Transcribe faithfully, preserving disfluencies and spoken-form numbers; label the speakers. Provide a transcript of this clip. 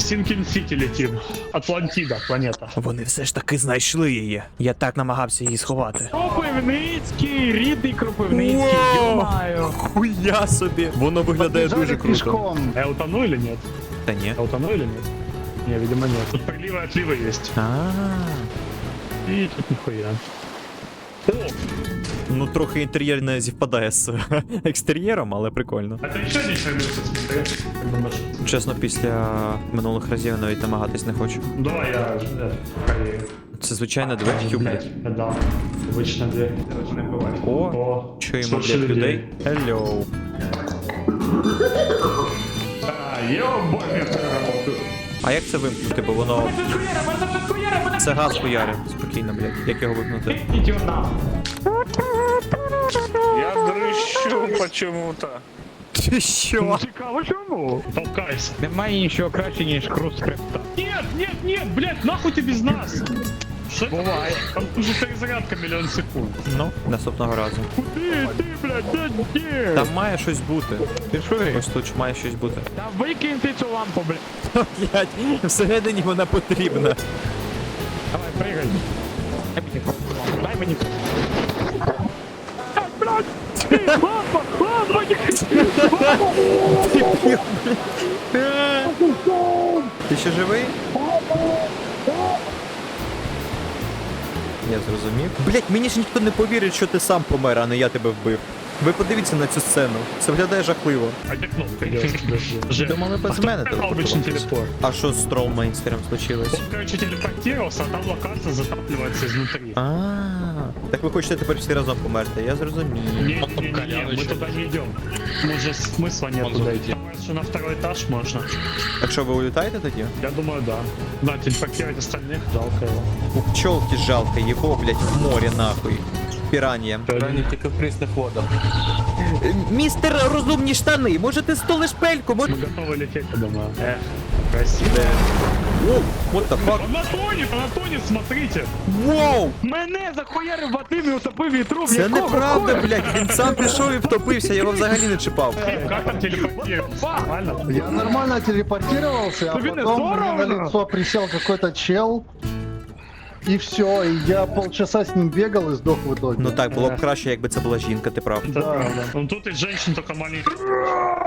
Speaker 1: Сінкін-Сіті летим. Атлантида, планета.
Speaker 2: Вони все ж таки знайшли її. Я так намагався її сховати.
Speaker 3: Кропивницький, рідний Кропивницький,
Speaker 2: Воу!
Speaker 3: йо-маю.
Speaker 2: Хуя собі. Воно виглядає
Speaker 4: Побежали
Speaker 2: дуже круто.
Speaker 4: пешком.
Speaker 1: Я утону или нет?
Speaker 2: Та ні.
Speaker 1: Я утону или нет? Не, видимо нет. Тут приливы и отливы есть.
Speaker 2: А,
Speaker 1: И тут нихуя. О,
Speaker 2: ну трохи інтер'єр не зівпадає з екстер'єром, але прикольно.
Speaker 1: это еще один сервис, смотри. Как думаешь?
Speaker 2: Чесно, після минулих разів я навіть намагатись не хочу.
Speaker 1: Давай я э, проверю.
Speaker 2: Це звичайна двері, тю, блядь.
Speaker 1: Я дал. Обычная дверь. Короче, не бывает.
Speaker 2: О,
Speaker 1: О,
Speaker 2: чуємо,
Speaker 1: слушай
Speaker 2: блядь, людей. Hello.
Speaker 1: А, ё-бой, я проработаю.
Speaker 2: А як це вимкнути, бо воно... Це газ хуярить. Спокійно, блядь. Як його вимкнути?
Speaker 1: Идёт нам.
Speaker 5: Я дрищу почему-то.
Speaker 2: Ти що?
Speaker 3: Цікаво, чому?
Speaker 1: Толкайся.
Speaker 3: Немає нічого краще, ніж хруст хребта.
Speaker 1: Нет, нет, нет, блядь, нахуй ты без нас? Что это?
Speaker 3: Бывает.
Speaker 1: Там уже перезарядка миллион секунд.
Speaker 2: Ну, наступного разу.
Speaker 3: Куди ти, блядь, де ні?
Speaker 2: Там має щось бути.
Speaker 3: Ти що?
Speaker 2: Ось тут має щось бути.
Speaker 3: Та викинь ти цю лампу, блядь.
Speaker 2: Блядь, всередині вона потрібна.
Speaker 3: Давай, пригай. Дай мені лампу, дай мені. Ай, блядь! Ні, лампа, лампа, ні!
Speaker 2: Ти ще живий? Я зрозумів. Блять, мені ж ніхто не повірить, що ти сам помер, а не я тебе вбив. Ви подивіться на цю сцену. Це виглядає жахливо.
Speaker 1: А где кнопка делать?
Speaker 2: Думали без мене
Speaker 1: Обычный
Speaker 2: телепортуватись.
Speaker 1: телепорт.
Speaker 2: А що з троллмейнстером случилось?
Speaker 1: Он, короче, телепортировался, а там локация затапливается изнутри.
Speaker 2: А, так ви хочете тепер всі разом померти, я зрозумів.
Speaker 1: Не-не-не, мы туда не идем. Мы же смысла нет туда идти. Думаю, что на второй этаж можно.
Speaker 2: Так що ви улітаєте тоді?
Speaker 1: Я думаю, да. Да, телепортировать остальных, жалко его.
Speaker 2: У пчелки жалко, його, блять, в море нахуй. Піран'я.
Speaker 5: Тільки в прісних водах.
Speaker 2: Містер розумні штани, може ти столиш пельку? Може...
Speaker 1: Мы готовы лететь, я думаю. Эх, красиво.
Speaker 2: О, what the fuck?
Speaker 1: Он тонет, он тонет, смотрите.
Speaker 2: Воу!
Speaker 3: Мене захуярив Вадим і утопив вітру,
Speaker 2: Це неправда, блядь, він сам пішов і втопився, я його взагалі не чіпав.
Speaker 1: Как там телепортироваться? Нормально?
Speaker 4: Я нормально телепортировался, а
Speaker 3: Да блин,
Speaker 4: потом
Speaker 3: здорово,
Speaker 4: мне на
Speaker 3: да.
Speaker 4: лицо присел какой-то чел. И все, и я полчаса с ним бегал и сдох в итоге.
Speaker 2: Ну так, було б краще, якби це була жінка, ти прав.
Speaker 1: Да, да. Ну тут из женщин только маленький.